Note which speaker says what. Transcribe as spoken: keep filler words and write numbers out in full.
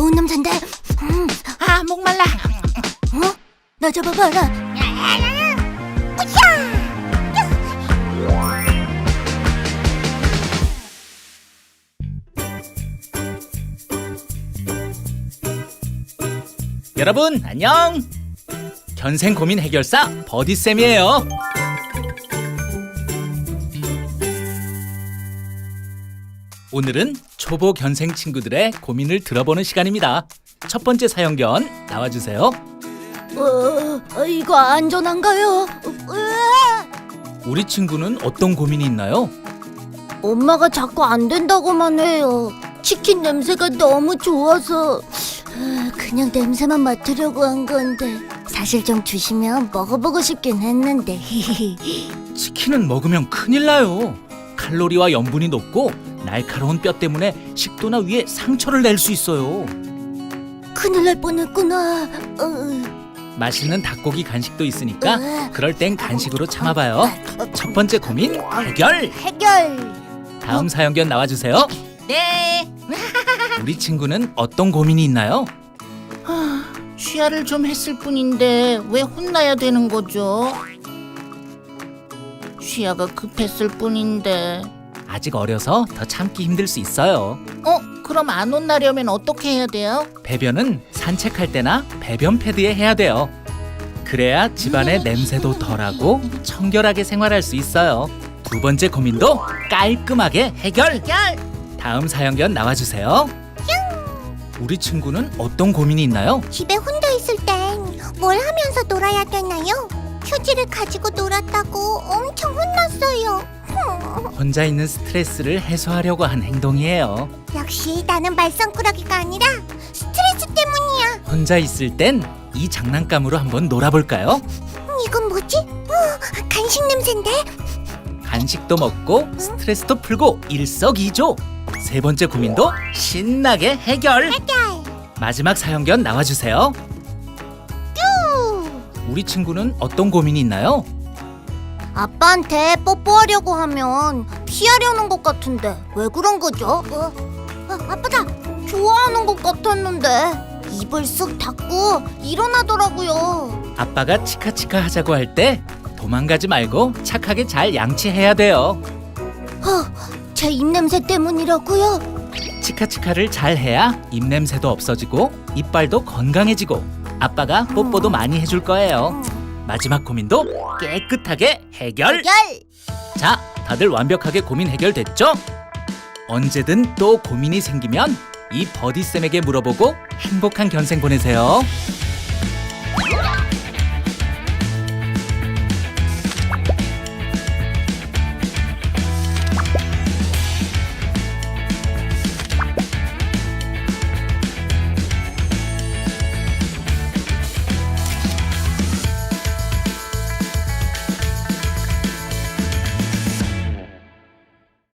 Speaker 1: 좋은 냄새인데. 음.
Speaker 2: 아, 목말라.
Speaker 1: 어? 나 잡아봐라.
Speaker 3: 여러분 안녕. 견생 고민 해결사 버디쌤이에요. 오늘은 초보 견생 친구들의 고민을 들어보는 시간입니다. 첫 번째 사연견 나와주세요.
Speaker 1: 어, 이거 안전한가요? 으아!
Speaker 3: 우리 친구는 어떤 고민이 있나요?
Speaker 1: 엄마가 자꾸 안 된다고만 해요. 치킨 냄새가 너무 좋아서 아, 그냥 냄새만 맡으려고 한 건데 사실 좀 주시면 먹어보고 싶긴 했는데.
Speaker 3: 치킨은 먹으면 큰일 나요. 칼로리와 염분이 높고 날카로운 뼈 때문에 식도나 위에 상처를 낼 수 있어요.
Speaker 1: 큰일 날 뻔했구나. 어.
Speaker 3: 맛있는 닭고기 간식도 있으니까
Speaker 1: 으아.
Speaker 3: 그럴 땐 간식으로 참아봐요. 첫 번째 고민 해결!
Speaker 1: 해결.
Speaker 3: 다음 사연견 나와주세요.
Speaker 2: 네.
Speaker 3: 우리 친구는 어떤 고민이 있나요?
Speaker 2: 쉬야를 좀 했을 뿐인데 왜 혼나야 되는 거죠? 쉬야가 급했을 뿐인데.
Speaker 3: 아직 어려서 더 참기 힘들 수 있어요.
Speaker 2: 어? 그럼 안 혼나려면 어떻게 해야 돼요?
Speaker 3: 배변은 산책할 때나 배변 패드에 해야 돼요. 그래야 집안의 냄새도 덜하고 청결하게 생활할 수 있어요. 두 번째 고민도 깔끔하게 해결!
Speaker 2: 해결!
Speaker 3: 다음 사연견 나와주세요. 우리 친구는 어떤 고민이 있나요?
Speaker 1: 집에 혼자 있을 땐 뭘 하면서 놀아야 되나요? 휴지를 가지고 놀았다고 엄청 혼났어요.
Speaker 3: 혼자 있는 스트레스를 해소하려고 한 행동이에요.
Speaker 1: 역시 나는 말썽꾸러기가 아니라 스트레스 때문이야.
Speaker 3: 혼자 있을 땐 이 장난감으로 한번 놀아볼까요?
Speaker 1: 이건 뭐지? 어, 간식 냄새인데?
Speaker 3: 간식도 먹고 스트레스도 풀고 일석이조. 세 번째 고민도 신나게 해결.
Speaker 1: 해결.
Speaker 3: 마지막 사연견 나와주세요.
Speaker 1: 쭈.
Speaker 3: 우리 친구는 어떤 고민이 있나요?
Speaker 1: 아빠한테 뽀뽀하려고 하면 피하려는 것 같은데 왜 그런 거죠? 어, 아, 아빠다. 좋아하는 것 같았는데 입을 쓱 닫고 일어나더라고요.
Speaker 3: 아빠가 치카치카 하자고 할 때 도망가지 말고 착하게 잘 양치해야 돼요.
Speaker 1: 어, 제 입냄새 때문이라고요?
Speaker 3: 치카치카를 잘 해야 입냄새도 없어지고 이빨도 건강해지고 아빠가 뽀뽀도 많이 해줄 거예요. 마지막 고민도 깨끗하게 해결!
Speaker 1: 해결.
Speaker 3: 자, 다들 완벽하게 고민 해결됐죠? 언제든 또 고민이 생기면 이 버디쌤에게 물어보고 행복한 견생 보내세요.